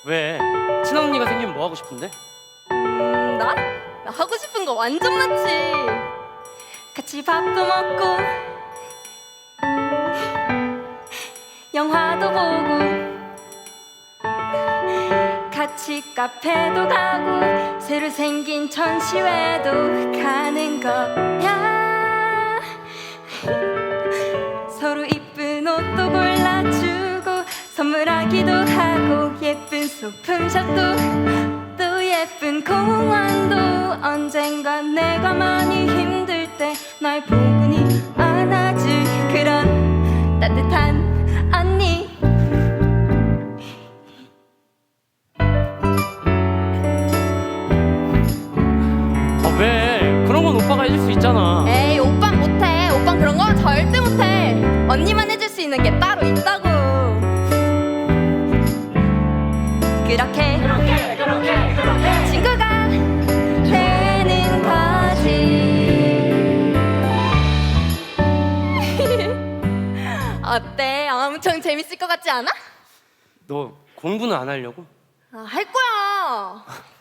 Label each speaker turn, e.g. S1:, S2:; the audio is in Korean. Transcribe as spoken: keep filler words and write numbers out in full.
S1: 왜? 친한 언니가 생기면 뭐 하고 싶은데?
S2: 음, 나? 나 하고 싶은 거 완전 많지. 같이 밥도 먹고 영화도 보고 같이 카페도 가고 새로 생긴 전시회도 가는 거야. 서로 이쁜 옷도 골라주고 선물하기도 하고 예쁜 소품샵도 또 예쁜 공원도 언젠간 내가 많이 힘들 때 날 포근히 안아줄 그런 따뜻한 언니.
S1: 아 왜? 그런 건 오빠가 해줄 수 있잖아.
S2: 에이 오빤 못해. 오빤 그런 거 절대 못해. 언니만 해줄 수 있는 게 따로 있다고. 그렇게
S1: 그렇게 그렇게 그렇게
S2: 친구가 되는 거지. 어때? 엄청 재밌을 것 같지 않아?
S1: 너 공부는 안 하려고?
S2: 아, 할 거야.